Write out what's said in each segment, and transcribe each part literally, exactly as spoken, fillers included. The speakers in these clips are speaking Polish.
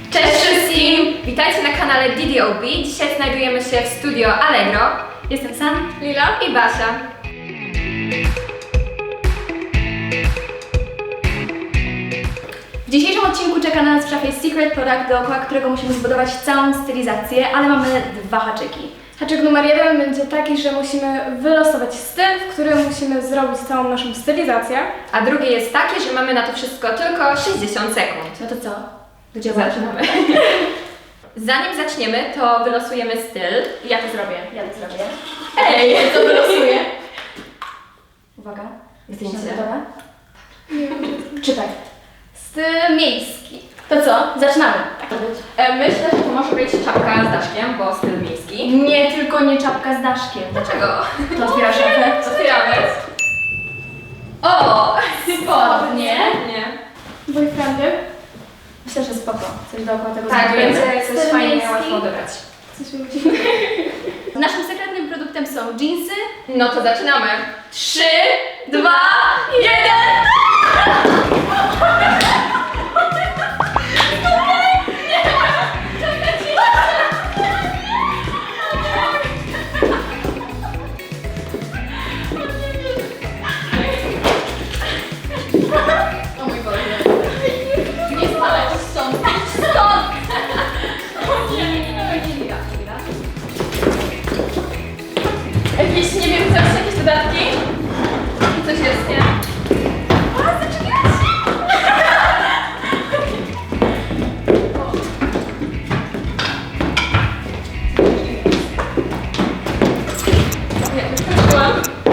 Cześć wszystkim! Witajcie na kanale D D O B. Dzisiaj znajdujemy się w studio Allegro. Jestem San, Lila i Basia. W dzisiejszym odcinku czeka na nas w szafie Secret Product, dookoła którego musimy zbudować całą stylizację, ale mamy dwa haczyki. Haczyk numer jeden będzie taki, że musimy wylosować styl, w którym musimy zrobić całą naszą stylizację. A drugie jest takie, że mamy na to wszystko tylko sześćdziesiąt sekund. No to co? Gdzie zaczynamy? Zanim zaczniemy, to wylosujemy styl. Ja to zrobię, ja to zrobię. Ej, to wylosuję. Uwaga. Zdjęcie. Gotowa? Czytaj. Styl miejski. To co? Zaczynamy. Tak to być. E, Myślę, że to może być czapka z daszkiem, bo styl miejski. Nie, tylko nie czapka z daszkiem. Dlaczego? To otwiera szafę. Otwieramy. O! Spodnie. Nie. Boyfriendy. Myślę, że spoko. Coś dookoła tego Tak, zrobimy. będzie coś Styl fajnie miejski. łatwo odebrać. Coś mi musimy... Naszym sekretnym produktem są dżinsy. No to zaczynamy. Trzy, dwa, jeden. O mój Boże. Nie spalać stąd. Stąd! Nie, nie, nie, nie, nie, nie, Jakieś, nie wiem, coś, jakieś dodatki? Coś jest, nie? A, zaczekajcie! Nie, wyskoczyłam.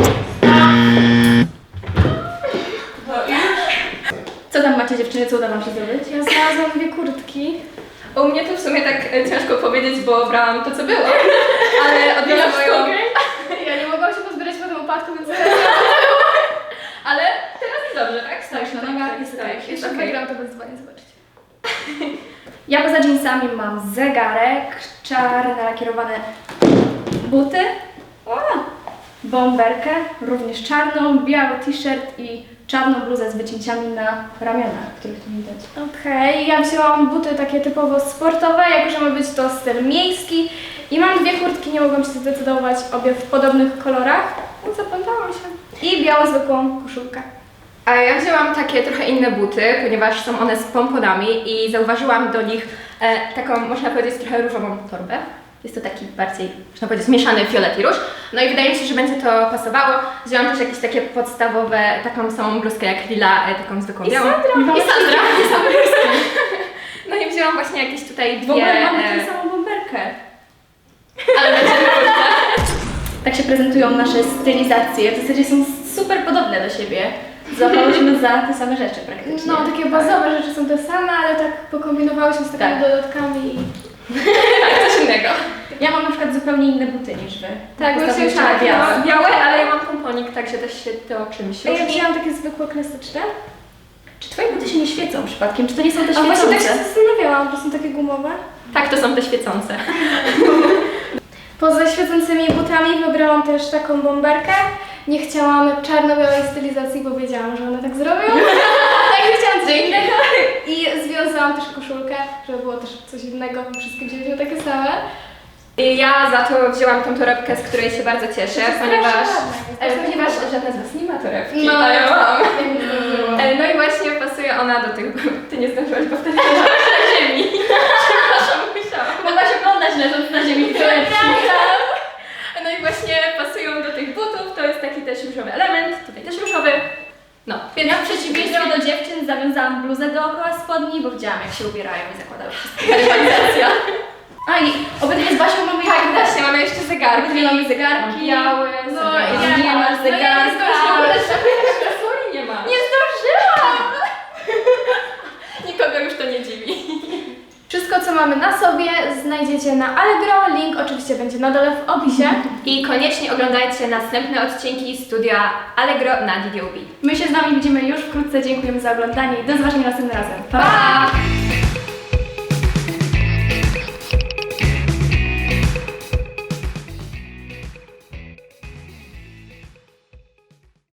Co tam macie dziewczyny, co uda wam się zrobić? Ja znalazłam dwie kurtki. U mnie to w sumie tak e, ciężko powiedzieć, bo brałam to, co było. Ale odbiłam moją... Ja nie mogłam się pozbierać po tym upadku, więc Ale teraz jest dobrze, tak? Stoisz na nogach i stoisz. jeszcze okej. wygram to bez dzwonię, zobaczcie. Ja poza jeansami mam zegarek, czarne lakierowane buty, o, bomberkę, również czarną, biały t-shirt i czarną bluzę z wycięciami na ramionach, których tu nie widać. Okej, ja wzięłam buty takie typowo sportowe, jako że ma być to styl miejski. I mam dwie kurtki, nie mogłam się zdecydować, obie w podobnych kolorach, więc zapamiętałam się. I białą zwykłą koszulkę. A ja wzięłam takie trochę inne buty, ponieważ są one z pomponami i zauważyłam do nich e, taką, można powiedzieć, trochę różową torbę. Jest to taki bardziej, można powiedzieć, mieszany fiolet i róż. No i wydaje mi się, że będzie to pasowało. Wzięłam też jakieś takie podstawowe, taką samą bluzkę jak Lila, e, taką zwykłą I białą. Sandra. I Sandra. I Sandra. No i wzięłam właśnie jakieś tutaj dwie... W ogóle mamy e, tę samą bomberkę. ale będziemy Tak się prezentują nasze stylizacje, w zasadzie są super podobne do siebie. Złapałyśmy za te same rzeczy praktycznie. No, takie bazowe rzeczy są te same, ale tak pokombinowałyśmy z takimi Tak. dodatkami. i- tak, coś innego. Ja mam na przykład zupełnie inne buty niż wy. Tak, Ostatnio właśnie jeszcze tak, białe. no. Białe, ale ja mam pomponik, także też się to czymś A ja różni. wzięłam takie zwykłe, klasyczne. Czy twoje buty się nie świecą przypadkiem? Czy to nie są te A właśnie tak się świecące? zastanawiałam, to są takie gumowe. Tak, to są te świecące. Poza świecącymi butami wybrałam też taką bomberkę. Nie chciałam czarno-białej stylizacji, bo wiedziałam, że one tak zrobią. Także chciałam coś innego. I związałam też koszulkę, żeby było też coś innego, bo wszystkie wzięliśmy takie same. I ja za to wzięłam tą torebkę, z której się bardzo cieszę, jest ponieważ, strasznie ładna, jest e, ponieważ strasznie żadna z Was nie ma torebki, No. a ja mam. No. E, No i właśnie pasuje ona do tych... Ty nie zdążyłaś, bo wtedy leżałaś na ziemi. Przepraszam, musiałam. Mogłaś oglądać leżąc na ziemi torebki. No i właśnie pasują do tych butów, to jest taki też różowy element, tutaj też różowy. No, więc Ja w przeciwieństwie do dziewczyn zawiązałam bluzę dookoła spodni, bo widziałam jak się ubierają i zakładały wszystkie rywalizacja. A i obydwie z Basią mamy tak, jak właśnie mamy jeszcze zegarki. Obydwie mamy zegarki. Biały, No, zegarki. ja- nie masz no ja zegarka. nie zdążyłam. Sorry, nie ma. Nie zdążyłam! Nikogo już to nie dziwi. Wszystko, co mamy na sobie, znajdziecie na Allegro. Link oczywiście będzie na dole w opisie. I koniecznie oglądajcie następne odcinki studia Allegro na D D O B. My się z wami widzimy już wkrótce. Dziękujemy za oglądanie i do zobaczenia następnym razem. Pa!